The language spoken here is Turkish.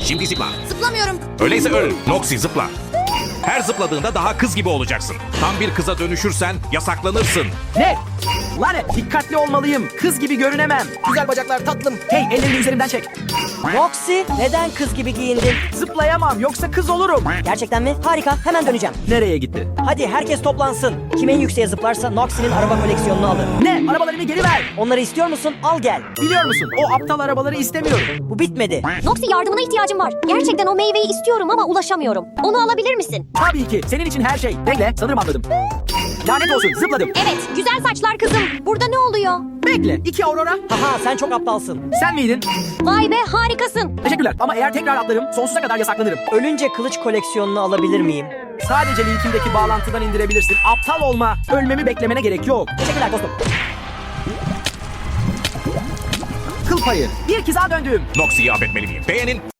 Şimdi zıpla. Zıplamıyorum. Öyleyse öl. Noxy zıpla. Her zıpladığında daha kız gibi olacaksın. Tam bir kıza dönüşürsen yasaklanırsın. Ne? Lanet, dikkatli olmalıyım. Kız gibi görünemem. Güzel bacaklar tatlım. Hey, ellerini üzerimden çek. Noxy, neden kız gibi giyindin? Zıplayamam, yoksa kız olurum. Gerçekten mi? Harika, hemen döneceğim. Nereye gitti? Hadi herkes toplansın. Kim en yükseğe zıplarsa Noxy'nin araba koleksiyonunu alır. Ne? Arabalarımı geri ver. Onları istiyor musun? Al gel. Biliyor musun? O aptal arabaları istemiyorum. Bu bitmedi. Noxy, yardımına ihtiyacım var. Gerçekten o meyveyi istiyorum ama ulaşamıyorum. Onu alabilir misin? Tabii ki. Senin için her şey. Bekle, sanırım anladım. Lanet olsun, zıpladım. Evet, güzel saçlar kızım. Burada ne oluyor? Bekle, 2 Aurora. Haha, sen çok aptalsın. Sen miydin? Vay be, harikasın. Teşekkürler ama eğer tekrar atlarım, sonsuza kadar yasaklanırım. Ölünce kılıç koleksiyonunu alabilir miyim? Sadece linkimdeki bağlantıdan indirebilirsin. Aptal olma. Ölmemi beklemene gerek yok. Teşekkürler dostum. Kıl payı. Bir kıza döndüm. Noxy'yi affetmeli miyim? Beğenin.